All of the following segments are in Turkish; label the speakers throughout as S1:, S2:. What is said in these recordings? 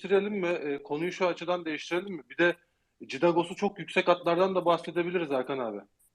S1: değiştirelim mi? Konuyu şu açıdan değiştirelim mi? Bir de Cidagos'u çok yüksek atlardan da bahsedebiliriz Hakan abi.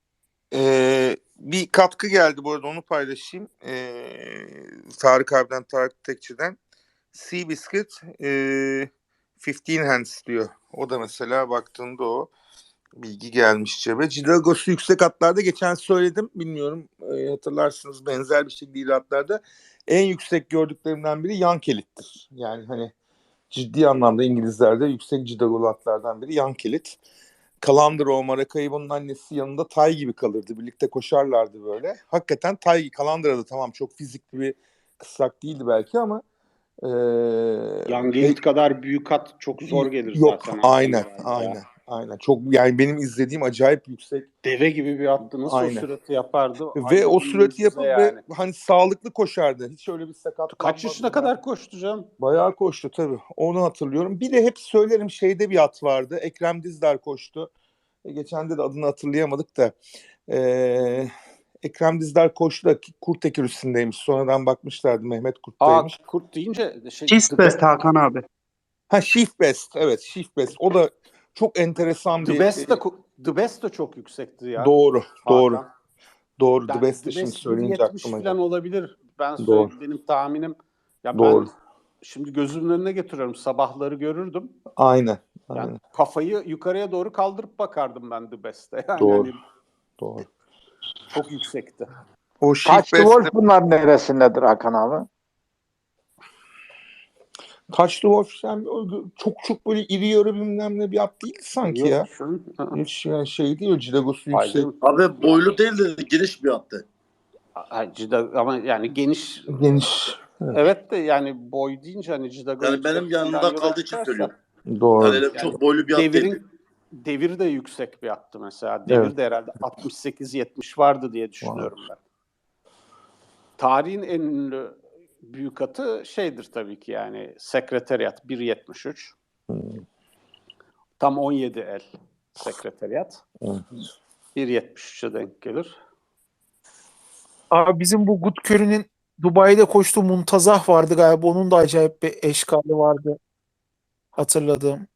S2: Bir katkı geldi bu arada, onu paylaşayım. Tarık abiden, Tarık Tekçi'den. Seabiscuit 15 hands diyor. O da mesela baktığında o bilgi gelmiş cebe. Cidagos'u yüksek atlarda geçen söyledim. Bilmiyorum hatırlarsınız, benzer bir şekilde atlarda en yüksek gördüklerimden biri Yankelit'tir. Yani hani ciddi anlamda İngilizlerde yüksek Cidagos'lu atlardan biri Yankelit. Calandro, Maracaibo'nun annesi yanında Tay gibi kalırdı. Birlikte koşarlardı böyle. Hakikaten Tay, Calandro da tamam çok fizikli bir kısrak değildi belki ama
S3: Yangelit kadar büyük at çok zor gelir
S2: yok,
S3: zaten.
S2: Aynen. Çok, yani benim izlediğim acayip yüksek.
S3: Deve gibi bir attı. Nasıl o sürati yapardı?
S2: Ve o sürati yapıp yani. Ve hani sağlıklı koşardı. Hiç öyle bir sakatlanmadı.
S3: Kaç yaşına kadar koştu canım?
S2: Bayağı koştu tabii. Onu hatırlıyorum. Bir de hep söylerim, şeyde bir at vardı. Ekrem Dizdar koştu. Geçen de adını hatırlayamadık da. Ekrem Dizdar koştu da Kurtekir üstündeymiş. Sonradan bakmışlardı, Mehmet Kurt'taymış.
S3: Kurt deyince
S4: Shift Best Hakan abi.
S2: Shift Best. Evet, Shift Best. O da çok enteresan bir...
S3: The Best de çok yüksekti ya.
S2: Doğru. The Best de
S3: The
S2: şimdi
S3: Best
S2: söyleyince aklıma
S3: falan olabilir. Benim tahminim. Ya
S2: doğru.
S3: Ben şimdi gözümün önüne getiriyorum. Sabahları görürdüm.
S2: Aynen.
S3: Yani kafayı yukarıya doğru kaldırıp bakardım ben The Best'e. Yani
S2: Doğru.
S3: Çok yüksekti.
S5: O Taç Wolf bunlar neresindedir Hakan abi?
S2: Taç Wolf çok böyle iri yarı bilmem ne bir at değil sanki. Yok, ya. Hiç yani şey değil, Cidagos'u yüksek.
S6: Abi boylu değil de geniş bir attı.
S3: Ama yani geniş. Evet de yani boy deyince hani Cidagos.
S6: Yani benim yanımda kaldığı için söylüyorum.
S2: Doğru.
S6: Yani çok boylu bir at değil.
S3: Devir de yüksek bir attı mesela. Devir de herhalde 68-70 vardı diye düşünüyorum ben. Tarihin en ünlü büyük atı şeydir tabii ki, yani Sekreteriyat 1.73. Tam 17 el Sekreteriyat. 1.73'e denk gelir.
S4: Abi bizim bu Good Curry'nin Dubai'de koştuğu Muntazah vardı galiba. Onun da acayip bir eşkali vardı. Hatırladığım.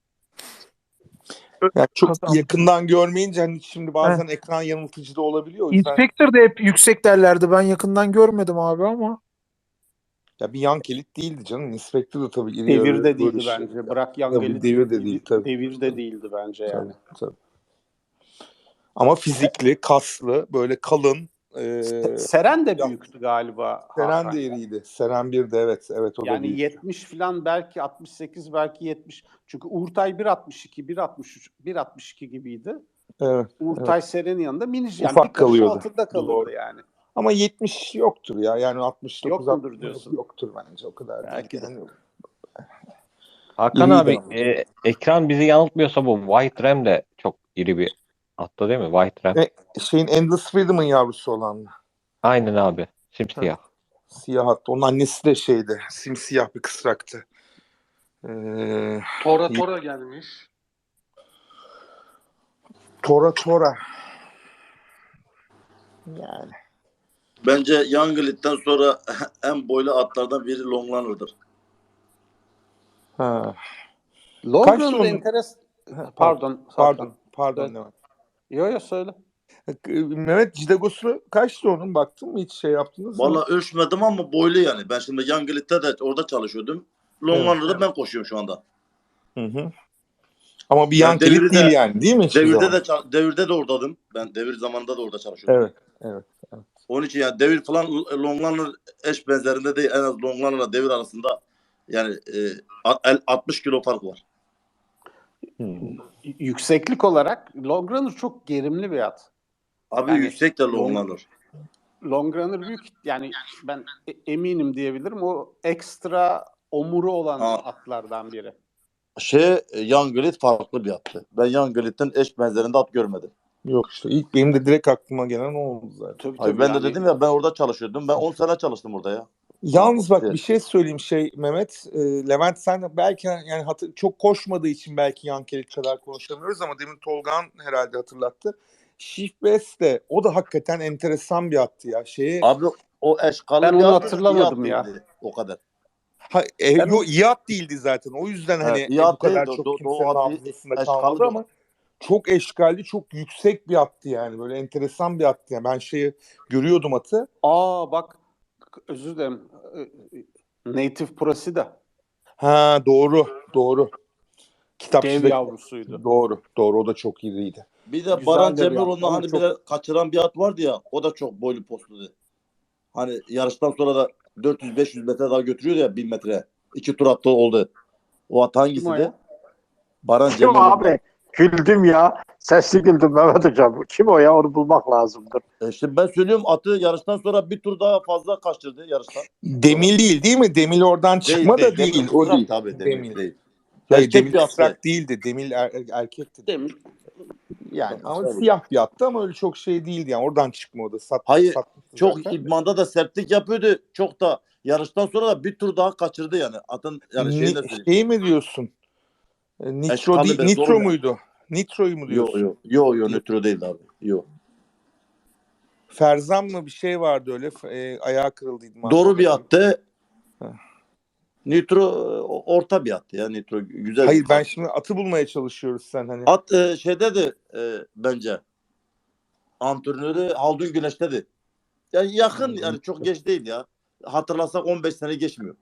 S2: Yani çok yakından görmeyince hani şimdi bazen ekran yanıltıcı da olabiliyor. O yüzden...
S4: Inspector da hep yüksek derlerdi. Ben yakından görmedim abi ama.
S2: Ya bir Yankelit değildi canım. Inspector da tabii iri
S3: devir de değildi bence. Bırak Yankelit.
S2: Devir de değil tabii.
S3: Devir de değildi bence yani.
S2: Tabii. Ama fizikli, kaslı, böyle kalın.
S3: Seren de büyüktü galiba.
S2: Seren de iriydi. Seren 1'de evet o
S3: yani
S2: da büyük.
S3: 70 falan, belki 68, belki 70. Çünkü Uğurtay 1.62, 1.63, 1.62 gibiydi.
S2: Evet.
S3: Uğurtay Seren'in yanında minicik. Yani
S2: ufak
S3: bir karış
S2: kalıyordu.
S3: altında kalırdı. Doğru. Yani.
S2: Ama 70 yoktur ya. Yani 69
S3: yok mudur diyorsun?
S2: Yoktur bence, o kadar
S3: belki
S2: değil. Yani.
S7: Hakan abi ekran bizi yanıltmıyorsa bu White Ram de çok iri bir attı değil mi? White Ram.
S2: Endless Freedom'ın yavrusu olan mı?
S7: Aynen abi. Simsiyah.
S2: Siyah hatta. Onun annesi de simsiyah bir kısraktı.
S1: Tora gelmiş.
S2: Tora. Yani.
S6: Bence Yangelit'ten sonra en boylu atlardan biri Longlunner'dır.
S3: Longlunner'da Pardon.
S2: Evet.
S3: Yok söyle.
S2: Mehmet, Cidagos'u kaçtı onun, baktın mı, hiç yaptınız mı?
S6: Valla ölçmedim ama boylu yani. Ben şimdi Yangelit'te de orada çalışıyordum. Longlunner'da ben koşuyorum şu anda.
S2: Hı. Ama bir Yankelit değil yani, değil mi?
S6: Devirde de oradaydım. Ben devir zamanında da orada çalışıyordum.
S2: Evet.
S6: Onun için yani devir falan Longlunner eş benzerinde değil. En az Longlunner'la devir arasında yani 60 kilo fark var.
S3: Yükseklik olarak Longrunner çok gerimli bir at.
S6: Abi yani, yüksek de Longlunner.
S3: Longrunner büyük, yani ben eminim diyebilirim. O ekstra omuru olan atlardan biri.
S6: Yangelit farklı bir attı. Ben Yangelit'ten eş benzerinde at görmedim.
S2: Yok işte ilk benim de direkt aklıma gelen o oldu zaten.
S6: Tabii, ben de dedim ya, ben orada çalışıyordum. Ben 10 sene çalıştım orada ya.
S2: Yalnız bak bir şey söyleyeyim Mehmet. Levent, sen belki yani çok koşmadığı için belki Yankelit kadar konuşamıyoruz ama demin Tolga'nın herhalde hatırlattı. Shift Best de o da hakikaten enteresan bir attı ya.
S6: Abi o eşkalı
S3: ben onu hatırlamadım ya.
S6: O kadar.
S2: iyi at değildi zaten. O yüzden hani
S6: iyi
S2: bu
S6: at
S2: kadar
S6: değil,
S2: çok
S6: Doğu
S2: kimsenin
S6: at
S2: hafızasında
S6: eşkallı
S2: kalmadı
S6: bir
S2: ama çok eşkalli, çok yüksek bir attı yani. Böyle enteresan bir attı yani. Ben görüyordum atı.
S3: Bak özür dilerim. Native Procida.
S2: Ha, doğru.
S3: Dev
S2: Kitapçıdaki
S3: yavrusuydu.
S2: doğru. O da çok iyiydi.
S6: Bir de
S3: Güzel
S6: Baran
S3: de bir
S6: Cemiloğlu'nda
S3: at ama
S6: hani
S3: çok-
S6: bir kaçıran bir at vardı ya, o da çok boylu postuydu. Hani yarıştan sonra da 400-500 metre daha götürüyordu ya, 1000 metre. 2 tur attı oldu. O at
S3: Kim o
S6: hangisiydi?
S3: ya?
S6: Baran
S5: Kim
S6: Cemiloğlu'nda.
S5: abi? Güldüm ya. Sesli güldüm Mehmet Hocam. Kim o ya? Onu bulmak lazımdır.
S6: İşte ben söylüyorum, atı yarıştan sonra bir tur daha fazla kaçırdı yarıştan.
S2: Demil değil mi? Demil oradan çıkma da
S6: Demir
S2: değil. O
S6: kısrak
S2: değil.
S6: tabii,
S2: Demil.
S6: Demir değil.
S2: Hayır,
S6: Erkek
S2: Demil
S6: bir attı.
S2: kısrak değildi. Demil erkekti.
S3: Demir.
S2: Yani ama
S6: Tabii.
S2: siyah bir attı ama öyle çok şey değildi yani. Oradan çıkma o da.
S6: Hayır,
S2: Satmıştı
S6: çok
S2: zaten de.
S6: idmanda da sertlik yapıyordu. Çok da yarıştan sonra da bir tur daha kaçırdı yani. Atın yani şeyini söyleyeyim.
S2: Şey mi diyorsun? Nitro
S6: Eşkalı
S2: değil.
S6: bir
S2: Nitro
S6: zorla.
S2: muydu? Nitro'yu mu diyorsun?
S6: Yo nötr değil abi. Yo.
S2: Ferzan mı bir şey vardı öyle. Ayağı kırıldıydı.
S6: Doğru bir attı.
S2: Heh.
S6: Nitro orta bir attı ya. Nitro güzel.
S2: Hayır,
S6: bir
S2: ben
S6: attı.
S2: şimdi atı bulmaya çalışıyoruz sen hani.
S6: At şeyde de bence antrenörü Haldun Güneş'tedir. Yani yakın, yani çok geç değil ya. Hatırlasak 15 sene geçmiyor.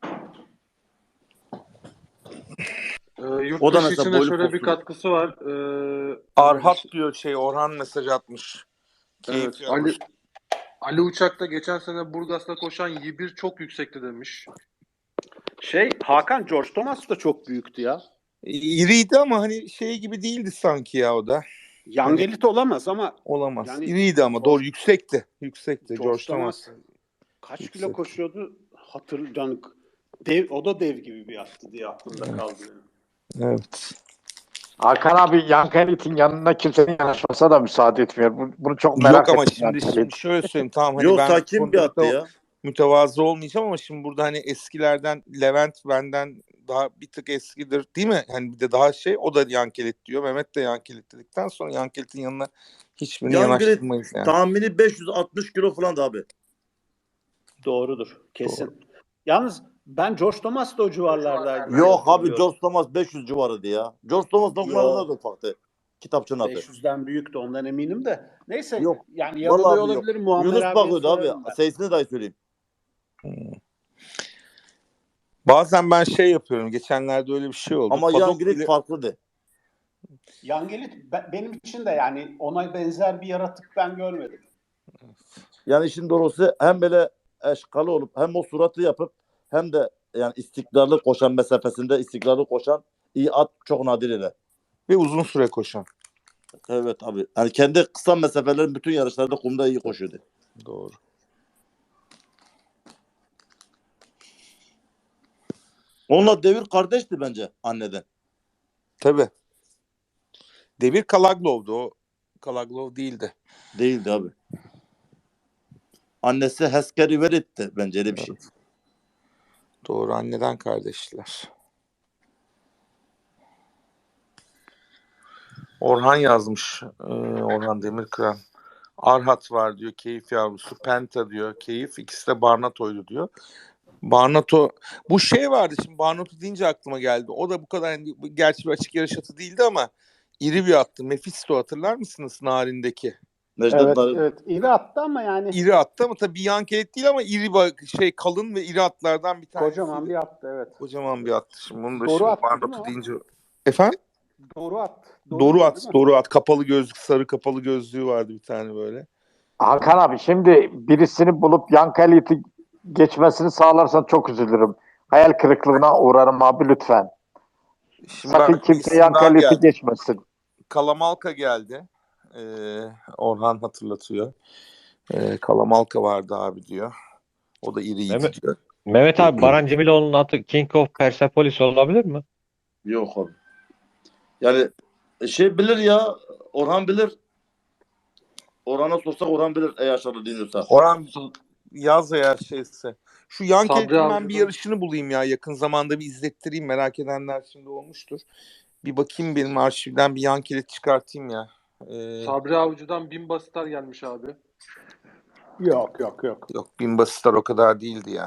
S1: Yurt
S6: O da
S1: dışı
S6: mesela
S1: içine
S6: boylu
S1: şöyle bir
S6: postuydu.
S1: katkısı var.
S2: Arhat diyor Orhan mesaj atmış.
S1: Evet,
S2: Keyif yapmış.
S1: Ali Uçak'ta geçen sene Burgas'ta koşan Y1 çok yüksekti demiş.
S3: Hakan George Thomas da çok büyüktü ya.
S2: İriydi ama hani şey gibi değildi sanki ya o da.
S3: Yangelit olamaz ama
S2: Olamaz.
S3: yani
S2: İriydi ama doğru, yüksekti.
S3: George Thomas kaç
S2: Yüksek.
S3: kilo koşuyordu? Yani o da dev gibi bir attı diye aklımda kaldı benim.
S2: Evet.
S5: Hakan abi Yankelit'in yanına kimsenin yanaşmasına da müsaade etmiyor. Bunu çok merak
S2: Yok ama
S5: ettim.
S2: şimdi şöyle söyleyeyim, tamam hani
S6: Yo,
S2: ben
S6: sakin bir attı ya.
S2: mütevazı olmayacağım ama şimdi burada hani eskilerden Levent benden daha bir tık eskidir değil mi? Hani bir de daha o da Yankelit diyor. Mehmet de Yankelit dedikten sonra Yankelit'in yanına hiçbirini
S6: Yankelit
S2: yanaştırmayız yani.
S6: tahmini 560 kilo falan da abi.
S3: Doğrudur. Kesin. Yalnız ben George Thomas da o civarlardaydı.
S6: Yok abi, George Thomas 500 civarıydı ya. George Thomas noktalarına da ufaktı. Kitapçının adı.
S3: 500'den büyüktü, ondan eminim de. Neyse
S6: Yok.
S3: yani
S6: Vallahi
S3: yanılıyor
S6: abi yok.
S3: olabilirim. Muammer
S6: Yunus
S3: abiye
S6: bakıyordu abi.
S3: sorarım ben.
S6: Sayısını dahi söyleyeyim.
S2: Bazen ben yapıyorum. Geçenlerde öyle bir şey oldu.
S6: Ama
S2: Padok
S6: Yankelit
S2: bile-
S6: farklıdı.
S3: Yangelit benim için de yani ona benzer bir yaratık ben görmedim.
S6: Yani işin doğrusu hem böyle eşkalı olup hem o suratı yapıp hem de yani istikrarlı koşan mesafesinde istikrarlı koşan iyi at çok nadir ile.
S2: ve uzun süre koşan.
S6: Evet abi. Yani kendi kısa mesafelerin bütün yarışlarda kumda iyi koşuyordu.
S2: Doğru.
S6: Onunla Devir kardeşti bence anneden.
S2: Tabii. Devir Kalaglov'du. O Kalaglov değildi.
S6: Değildi abi. Annesi Heskeri Verit'ti bence, öyle bir şey.
S2: Doğru, anneden kardeşler. Orhan yazmış. Orhan Demirkıran. Arhat var diyor. Keyif yavrusu. Penta diyor. Keyif. İkisi de Barnato'ydu diyor. Barnato. Bu vardı şimdi. Barnato deyince aklıma geldi. O da bu kadar, yani, gerçi bir açık yarış atı değildi ama iri bir attı. Mephisto, hatırlar mısınız Narin'deki?
S6: Necdet Narin.
S3: Evet. İri attı ama yani
S2: İri attı ama tabii Yankelit değil ama iri kalın ve iri atlardan bir tanesi.
S3: kocaman bir attı, evet.
S2: Kocaman bir attı. Şimdi bunu da
S3: Doğru
S2: şimdi
S3: attı değil mi
S2: Barnato
S3: o?
S2: deyince. Efendim?
S3: Doğru at.
S2: Doğru at. Kapalı gözlük, sarı kapalı gözlüğü vardı bir tane böyle.
S5: Hakan abi şimdi birisini bulup Yankelit'i geçmesini sağlarsan çok üzülürüm. Hayal kırıklığına uğrarım abi lütfen.
S2: Şimdi
S5: Sakın
S2: bak,
S5: kimse
S2: isim daha
S5: Yankelit'i
S2: geldi.
S5: geçmesin.
S2: Kalamalka geldi. Orhan hatırlatıyor. Kalamalka vardı abi diyor. O da iriydi diyor.
S7: Mehmet abi, Baran Cemiloğlu'nun atı King of Persepolis olabilir mi?
S6: Yok abi. Yani bilir ya. Orhan bilir. Orhan'a sorsak Orhan bilir eğer aşağıda dinliyorsa.
S2: Orhan yaz eğer şeyse. Şu Yankelit'in
S1: Sabri
S2: ben
S1: Avcı'dan.
S2: bir yarışını bulayım ya. Yakın zamanda bir izlettireyim. Merak edenler şimdi olmuştur. Bir bakayım, benim arşivden bir Yankelit çıkartayım ya.
S1: Sabri Avcı'dan 1000 basitler gelmiş abi.
S3: Yok.
S2: Yok, Bimba Star o kadar değildi ya.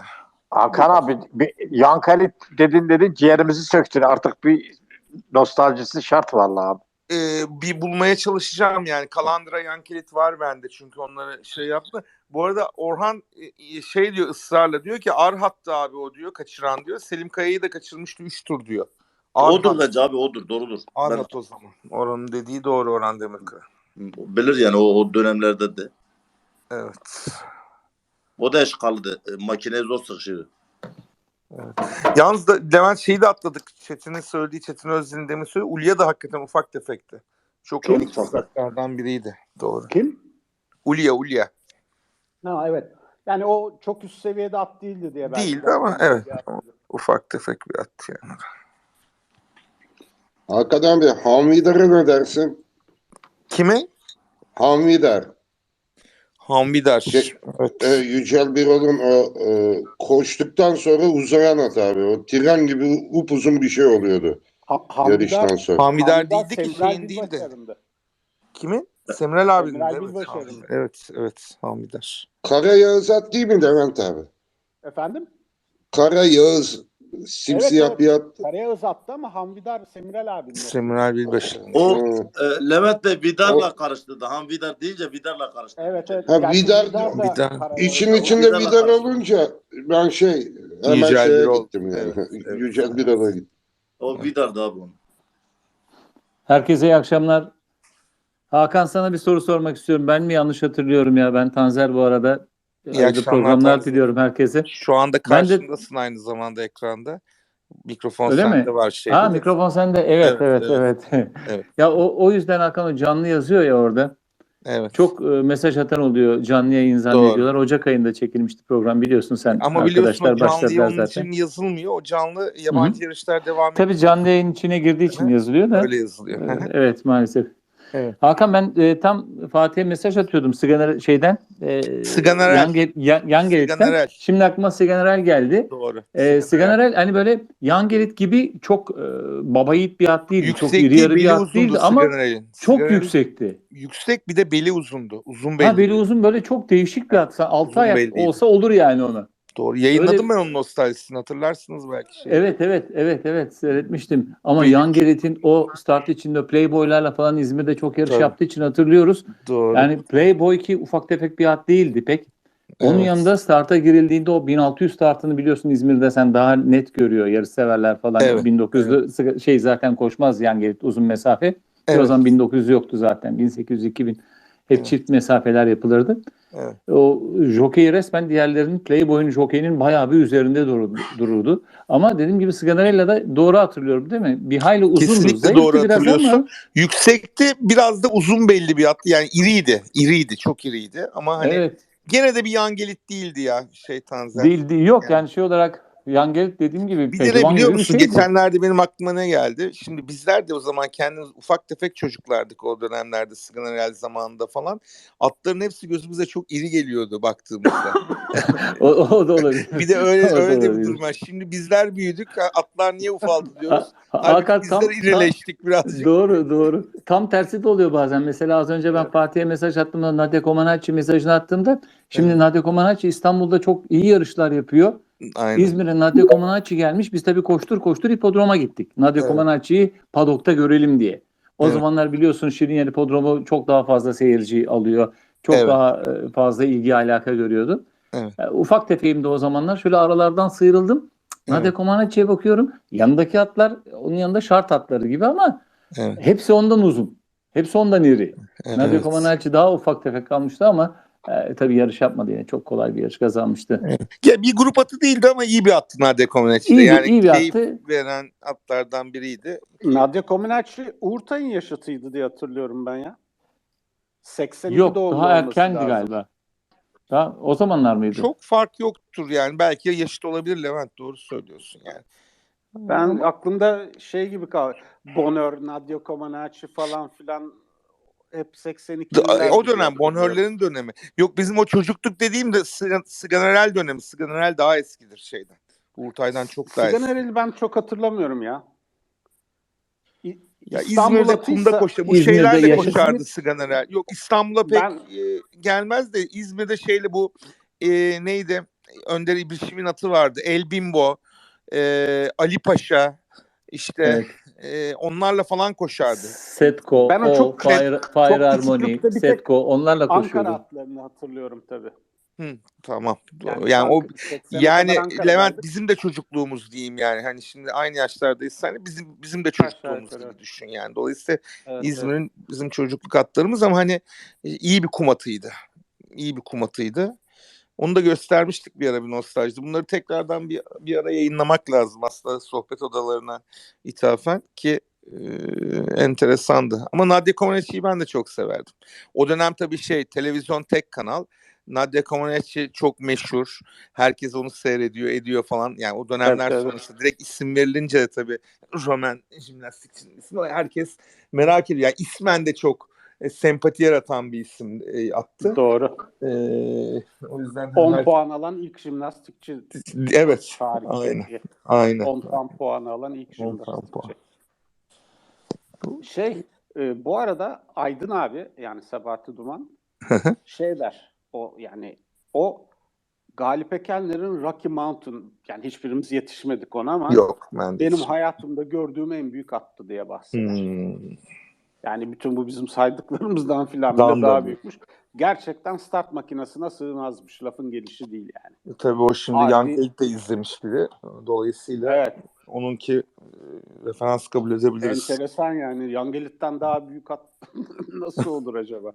S5: Hakan abi Yankalit dedin ciğerimizi söktün. Artık bir nostaljisi şart vallahi abi.
S2: Bir bulmaya çalışacağım yani. Kalandra Yankelit var bende çünkü onları şey yaptı. Bu arada Orhan şey diyor ısrarla diyor ki Arhat'tı abi o diyor kaçıran diyor. Selim Kaya'yı da kaçırmıştı 3 tur diyor.
S6: Odur bence abi, odur, doğrudur.
S2: Arhat o zaman. Orhan'ın dediği doğru, Orhan Demirkaya.
S6: Bilir yani o dönemlerde de.
S2: Evet.
S6: O da eşkalıydı. Makineye zor sıkışıyordu.
S2: Yalnız da Levent şeyi de atladık. Çetin'in söylediği, Çetin Özden'in demin söylediği. Ulya da hakikaten ufak tefekti. Çok
S3: Kim?
S2: elit ufaklardan biriydi. Doğru.
S3: Kim?
S2: Ulya.
S3: Ha, evet. Yani o çok üst seviyede at değildi diye belki.
S2: Değildi ama evet. Ufak tefek bir at yani.
S8: Hakan abi Hamvidar'a ne dersin?
S2: Kime?
S8: Hamvidar.
S2: Hamidar. Evet.
S8: Yücel Birol'un koştuktan sonra uzayan at abi. O tren gibi upuzun bir şey oluyordu yarıştan sonra.
S2: Hamidar değildi ki
S3: Semral
S2: şeyin değildi.
S3: Bilbaşar'ındı.
S2: Kimin? Semral abinin.
S3: Semral
S2: Evet.
S3: Bilbaşar'ın.
S2: Evet. Hamidar.
S8: Kara Yağız at değil mi Levent abi?
S3: Efendim?
S8: Kara Yağız simsiyah
S3: Evet.
S8: bir at.
S3: Karayağız attı ama Hamvidar Semral abinin.
S2: Semral Bilbaşar.
S6: O
S8: Hı.
S6: Levent Bey Vidar'la karıştırdı. Han Vidar deyince Vidar'la karıştırdı.
S3: Evet.
S8: Ha,
S3: Gerçi
S8: Vidar-
S3: da
S2: Vidar.
S3: Karayağız
S8: İçin
S3: ama-
S8: içinde
S6: Vidar'la
S8: Vidar
S6: karıştı.
S8: olunca ben hemen
S2: Yücel
S8: şeye
S2: Birol.
S8: gittim yani.
S2: Evet.
S8: Yücel Birol'a gittim.
S6: O Vidar'dı abi onun.
S9: Herkese iyi akşamlar. Hakan, sana bir soru sormak istiyorum. Ben mi yanlış hatırlıyorum ya? Ben Tanzer bu arada.
S2: İyi
S9: Hayırlı
S2: akşamlar
S9: programlar
S2: Tanzer.
S9: diliyorum herkese.
S2: Şu anda
S9: Ben de-
S2: karşındasın aynı zamanda ekranda. Mikrofon
S9: Öyle
S2: sende
S9: mi?
S2: var şeyde.
S9: Ha,
S2: de.
S9: mikrofon sende. Evet.
S2: Evet.
S9: Ya o yüzden Hakan, o canlı yazıyor ya orada.
S2: Evet.
S9: Çok mesaj atan oluyor. Canlı yayın zannediyorlar. Ocak ayında çekilmişti program, biliyorsun sen.
S2: Ama biliyorsun o
S9: Arkadaşlar
S2: canlı
S9: başladılar
S2: onun
S9: zaten.
S2: için yazılmıyor. O canlı yabancı yarışlar devam ediyor.
S9: Tabii canlı yayın içine girdiği için
S2: Hı hı.
S9: yazılıyor da.
S2: Öyle yazılıyor. Hı hı.
S9: Evet, maalesef.
S2: Evet.
S9: Hakan, ben tam Fatih'e mesaj atıyordum şeyden.
S2: Siganerel.
S9: Yangerit'ten.
S2: Siganerel.
S9: Şimdi aklıma Siganerel geldi.
S2: Doğru.
S9: Siganerel hani böyle Yangerit gibi çok baba yiğit bir at değildi. Çok
S2: Yüksek
S9: iri
S2: değil,
S9: yarı bir
S2: beli
S9: at
S2: uzundu
S9: değildi ama
S2: Siganerel'in.
S9: çok
S2: Siganerel
S9: yüksekti.
S2: yüksek, bir de beli uzundu. Uzun belli.
S9: Beli uzun, böyle çok değişik bir at. Altı
S2: Uzun
S9: ayak
S2: belliydi.
S9: olsa olur yani ona.
S2: Doğru. Yayınladım
S9: Öyle-
S2: ben onun nostaljisini. Hatırlarsınız belki.
S9: Evet, seyretmiştim. Ama
S2: Benim-
S9: Yangerit'in o start içinde Playboy'larla falan İzmir'de çok yarış
S2: Tabii.
S9: yaptığı için hatırlıyoruz.
S2: Doğru.
S9: Yani Playboy ki ufak tefek bir at değildi pek. Onun
S2: Evet.
S9: yanında starta girildiğinde o 1600 startını biliyorsun, İzmir'de sen daha net görüyor yarış severler falan.
S2: Evet,
S9: 1900'lü şey zaten koşmaz Yangerit uzun mesafe. Ki
S2: Evet.
S9: o zaman 1900 yoktu zaten. 1800-2000 hep
S2: Evet.
S9: çift mesafeler yapılırdı.
S2: Evet.
S9: O jockey resmen diğerlerinin, Playboy'un jockey'inin bayağı bir üzerinde dururdu. Ama dediğim gibi Sganarella'da doğru hatırlıyorum değil mi? Bir hayli uzundu.
S2: Kesinlikle
S9: Zayıftı
S2: doğru
S9: biraz
S2: hatırlıyorsun.
S9: ama
S2: Yüksekti. Biraz da uzun belli bir attı. Yani iriydi. Çok iriydi. Ama hani
S9: evet.
S2: gene de bir Yangelit değildi ya Tanzer.
S9: Değil, yok
S2: Yani.
S9: yani şey olarak Yangelit dediğim gibi
S2: Bir de ne
S9: pehlivan
S2: biliyor
S9: gibi bir
S2: musun?
S9: şeydi.
S2: Geçenlerde benim aklıma ne geldi? Şimdi bizler de o zaman kendimiz ufak tefek çocuklardık o dönemlerde, Siganerel zamanında falan. Atların hepsi gözümüze çok iri geliyordu baktığımızda.
S9: O da olabilir.
S2: Bir de öyle
S9: O da
S2: de bir
S9: olabilir.
S2: durum var. Şimdi bizler büyüdük. Atlar niye ufaldı diyoruz.
S9: Hakan,
S2: Halbuki bizler irileştik birazcık.
S9: Doğru. Tam tersi de oluyor bazen. Mesela az önce ben Fatih'e mesaj attığımda, Nadia Comaneci mesajını attığımda, şimdi
S2: Evet.
S9: Nadia Comaneci İstanbul'da çok iyi yarışlar yapıyor.
S2: Aynen.
S9: İzmir'e Nadia Comaneci gelmiş. Biz tabii koştur hipodroma gittik. Nadia
S2: Evet.
S9: Comaneci'yi padokta görelim diye. O
S2: Evet.
S9: zamanlar biliyorsun Şirinyer Hipodromu çok daha fazla seyirci alıyor. Çok
S2: Evet.
S9: daha fazla ilgi alaka görüyordu.
S2: Evet.
S9: Ufak tefeyim de o zamanlar. Şöyle aralardan sıyrıldım. Nadia
S2: Evet.
S9: Comaneci'ye bakıyorum. Yanındaki atlar onun yanında şart atları gibi ama
S2: Evet.
S9: hepsi ondan uzun. Hepsi ondan iri.
S2: Evet.
S9: Nadia Comaneci daha ufak tefek kalmıştı ama tabii yarış yapmadı yine. Çok kolay bir yarış kazanmıştı.
S2: Ya bir grup atı değildi ama iyi bir attı Nadia Comaneci.
S9: İyi
S2: Yani
S9: bir
S2: keyif
S9: attı.
S2: veren atlardan biriydi.
S3: Nadia Comaneci Uğurtay'ın yaşıtıydı diye hatırlıyorum ben ya. 82
S9: Yok,
S3: doğumlu
S9: daha
S3: olması
S9: erkendi
S3: lazım.
S9: galiba. Daha, o zamanlar mıydı?
S2: Çok fark yoktur yani. Belki yaşıt olabilir Levent. Doğru söylüyorsun yani.
S3: Ben aklımda şey gibi kaldı. Bonheur, Nadia Comaneci falan filan hep 82'liler.
S2: O dönem Bonheur'lerin dönemi. Yok bizim o çocukluk dediğim de Siganerel dönemi. Siganerel daha eskidir şeyden. Uğurtay'dan çok daha eski.
S3: Siganerel'i ben çok hatırlamıyorum ya.
S2: Ya
S3: İstanbul
S2: İzmir'de
S3: atıysa-
S2: kumda koştu. Bu
S9: İzmir'de
S2: şeylerle
S9: yaşasın.
S2: koşardı Siganerel. Yok İstanbul'a pek
S3: Ben-
S2: gelmez de İzmir'de şeyle bu neydi? Önder İbrişim'in atı vardı. El Bimbo, Ali Paşa, işte onlarla falan koşardı.
S9: Setko,
S3: Ben o çok
S9: Fire
S3: çok
S9: Harmony,
S3: küçüklükte bir tek
S9: Setko onlarla
S3: Ankara
S9: koşuyordu.
S3: atlarını hatırlıyorum tabii.
S2: Tamam.
S3: Yani
S2: Yani o
S3: 80'e
S2: yani
S3: kadar
S2: Levent
S3: Ankara'daydık.
S2: bizim de çocukluğumuz diyeyim yani. Hani şimdi aynı yaşlardayız. Hani bizim de
S3: Aşağı
S2: çocukluğumuz
S3: yukarı.
S2: gibi düşün yani. Dolayısıyla
S3: Evet,
S2: İzmir'in bizim çocukluk atlarımız ama hani iyi bir kum atıydı. İyi bir kum atıydı. Onu da göstermiştik bir ara bir nostaljide. Bunları tekrardan bir ara yayınlamak lazım aslında sohbet odalarına ithafen ki enteresandı. Ama Nadia Comaneci'yi ben de çok severdim. O dönem tabii televizyon tek kanal. Nadia Comaneci çok meşhur. Herkes onu seyrediyor, ediyor falan. Yani o dönemler
S3: evet.
S2: sonrası direkt isim verilince de tabii Roman jimnastikçinin ismi herkes merak ediyor. Yani ismen de çok sempati yaratan bir isim attı.
S3: Doğru.
S2: O yüzden
S3: 10 puan alan ilk jimnastikçi
S2: evet.
S3: tarihteki.
S2: Aynen.
S3: 10 puan alan ilk
S2: 10 puan.
S3: jimnastikçi. Bu arada Aydın abi yani Sabahattin Duman der o yani o Galip Ekenler'in Rocky Mountain yani hiçbirimiz yetişmedik ona ama
S2: Yok ben de
S3: benim
S2: hiç.
S3: hayatımda gördüğüm en büyük attı diye bahseder.
S2: Hmm.
S3: Yani bütün bu bizim saydıklarımızdan filan
S2: Dan
S3: bile daha
S2: da
S3: büyükmüş. Gerçekten start makinesine sığmazmış. Lafın gelişi değil yani.
S2: Tabii o şimdi
S3: Harbi-
S2: Yankelik de izlemiş biri. Dolayısıyla
S3: Evet.
S2: onunki referans kabul edebiliriz.
S3: Enteresan yani. Yangelit'ten daha büyük at nasıl olur acaba?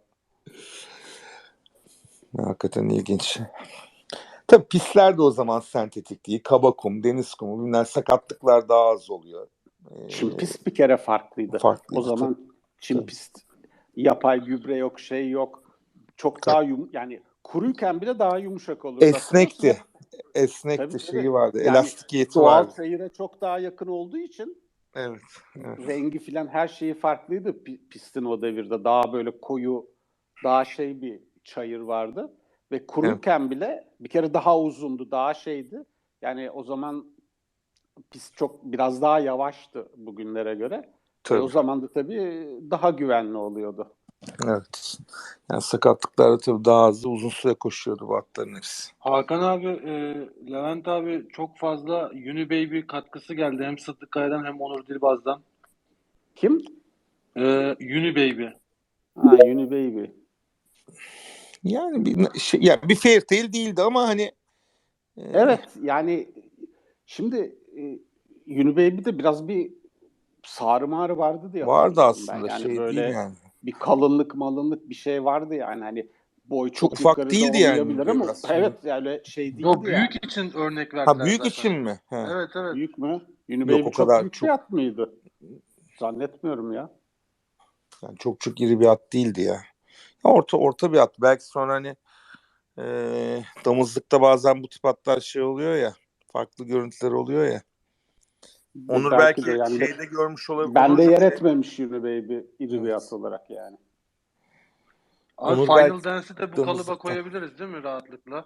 S2: Hakikaten ilginç. Tabii pistler de o zaman sentetik değil. Kaba kum, deniz kumu, bunlar sakatlıklar daha az oluyor.
S3: Çim pist bir kere farklıydı.
S2: Farklıydı,
S3: O zaman çim
S2: tabii.
S3: pist yapay gübre yok, şey yok. Çok daha yani kuruyken bile daha yumuşak olurdu.
S2: Esnekti. Esnekti
S3: Tabii,
S2: şeyi
S3: tabii.
S2: vardı.
S3: Yani
S2: Elastikiyeti
S3: doğal
S2: vardı.
S3: seyire çok daha yakın olduğu için
S2: Evet.
S3: rengi filan her şeyi farklıydı pistin o devirde. Daha böyle koyu, daha bir çayır vardı. Ve kuruyken bile bir kere daha uzundu, daha şeydi. Yani o zaman pist biraz daha yavaştı bugünlere göre.
S2: Tabii.
S3: O zaman da tabii daha güvenli oluyordu.
S2: Evet. Yani sakatlıklarda tabii daha hızlı uzun süre koşuyordu bu atların hepsi.
S1: Hakan abi, Levent abi çok fazla Unibaby katkısı geldi. Hem Sıddık Kaya'dan hem Onur Dilbaz'dan.
S3: Kim?
S1: Unibaby.
S3: Unibaby.
S2: Yani bir Fairtail değildi ama hani
S3: Evet yani şimdi Unibaby'de biraz bir sarı mağrı vardı diye
S2: vardı
S3: hatırlıyorum ben.
S2: aslında
S3: Yani böyle
S2: değil yani.
S3: bir kalınlık bir şey vardı yani hani boy çok
S2: ufak
S3: yukarıda
S2: değildi yani
S3: olmayabilir ama
S2: biraz.
S3: evet yani şey değildi
S1: Yo, büyük
S3: yani.
S1: için örnek verdiler
S2: büyük
S1: zaten.
S2: için mi?
S1: Evet.
S3: Büyük mü? Unibaby
S2: o
S3: çok
S2: kadar
S3: büyük bir at mıydı? Zannetmiyorum ya.
S2: Yani çok iri bir at değildi ya. Orta bir at. Belki sonra hani damızlıkta bazen bu tip atlar oluyor ya. Farklı görüntüler oluyor ya. Onur belki
S3: de yani
S2: şeyde görmüş olabilir.
S3: ben de yer etmemiş Unibaby iri bir at olarak yani.
S1: Abi
S2: Onur
S1: Final
S2: belki
S1: Dance'i de bu kalıba koyabiliriz değil mi rahatlıkla?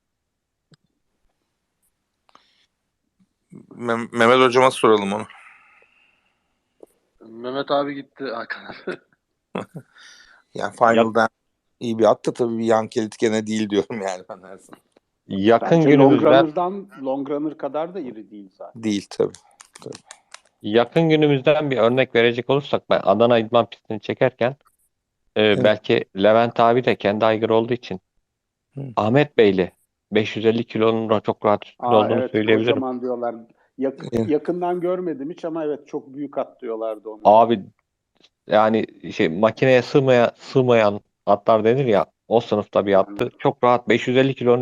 S2: Mehmet hocama soralım onu.
S1: Mehmet abi gitti Hakan abi.
S2: Yani Final'dan iyi bir at da tabii bir Yankelit gene değil diyorum yani ben her zaman.
S7: Yakın
S3: Bence
S7: günümüzden
S3: Long Runner kadar da iri değil zaten.
S2: Değil tabii.
S7: yakın günümüzden bir örnek verecek olursak ben Adana İdman pistini çekerken belki Levent abi de kendi aygırı olduğu için Ahmet Beyli 550 kilonun çok rahat üstünde olduğunu
S3: Evet,
S7: söyleyebilirim.
S3: kocaman diyorlar. Yakından görmedim hiç ama evet çok büyük at diyorlardı ona.
S7: Abi yani makineye sığmayan atlar denir ya, o sınıfta bir attı. Çok rahat 550 kilonun